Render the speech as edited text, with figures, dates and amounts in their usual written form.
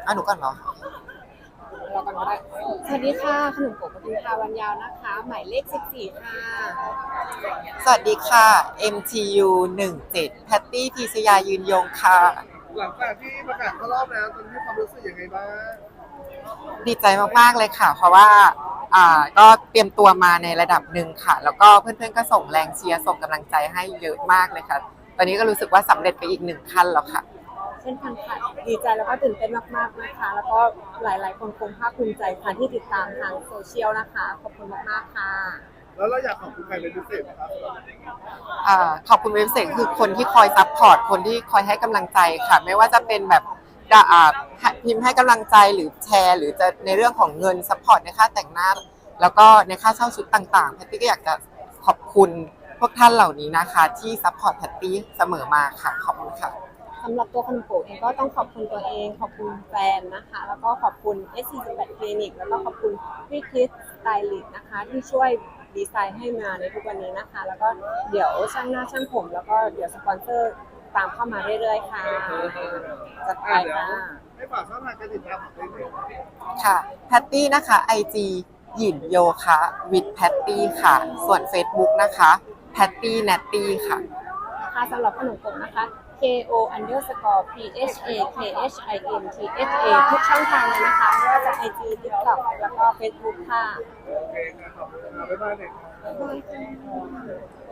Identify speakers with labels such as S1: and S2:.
S1: หนูก่อนเหรอ
S2: เรากันก็ได้สวัสดีค่ะขนมโกะปทุมภาวันยาวนะคะหมายเลข14ค่ะ
S1: สวัสดีค่ะ MTU 17แพตตี้พีชยายืนยงค่ะ
S3: หลังจากที่ประกาศเข้ารอบแล้วตอนนี้ความรู้สึกยังไงบ้าง
S1: ดีใจมากๆเลยค่ะเพราะว่าก็เตรียมตัวมาในระดับหนึ่งค่ะแล้วก็เพื่อนๆก็ส่งแรงเชียร์ส่งกำลังใจให้เยอะมากเลยค่ะตอนนี้ก็รู้สึกว่าสำเร็จไปอีกหนึ่งขั้นแล้วค่ะ
S2: เช่นกันค่ะดีใจแล้วก็ตื่นเต้นมากๆนะคะแล้วก็หลายๆคนคงภาคภูมิใจค่ะที่ติดตามทางโซเชียลนะคะขอบคุณมากๆค่ะ
S3: แล้วเราอยากขอบคุณใครเป็นพิเศษไหมครับ
S1: ขอบคุณเว็บเซนคือคนที่คอยซัพพอร์ตคนที่คอยให้กำลังใจค่ะไม่ว่าจะเป็นแบบพิมพ์ให้กำลังใจหรือแชร์หรือจะในเรื่องของเงินซัพพอร์ตในค่าแต่งหน้าแล้วก็ในค่าเช่าชุดต่างๆแพตตี้ก็อยากจะขอบคุณพวกท่านเหล่านี้นะคะที่ซัพพอร์ตแพตตี้เสมอมาค่ะขอบคุณค่ะ
S2: สำหรับตัวขนมโกะเองก็ต้องขอบคุณตัวเองขอบคุณแฟนนะคะแล้วก็ขอบคุณ S48 คลินิกแล้วก็ขอบคุณพี่คริสสไตลิสต์นะคะที่ช่วยดีไซน์ให้มาในทุกวันนี้นะคะแล้วก็เดี๋ยวช่างหน้าช่างผมแล้วก็เดี๋ยวสปอนเซอร์ตามเข้ามาเรื่อยๆค่ะจัดไป
S3: เดี๋ยว
S2: ค่ะ
S3: ให้ฝากช่องทางการติดตามของตัวเอง
S1: ค่ะแพตตี้นะคะ IG หยินโยคะ with แพตตี้ค่ะส่วน Facebook นะคะแพตตี้แนตตี้ค่ะ
S2: ค่ะสำหรับขนมกบนะคะ KO_PHAKHIMTHA ทุกช่องทางเลยนะคะไม่ว่าจะ IG TikTok แล้วก็ Facebook ค่ะ
S3: โอเคครับขอบคุณครับบ๊ายบายเด็ก
S2: บ๊ายบายค่ะ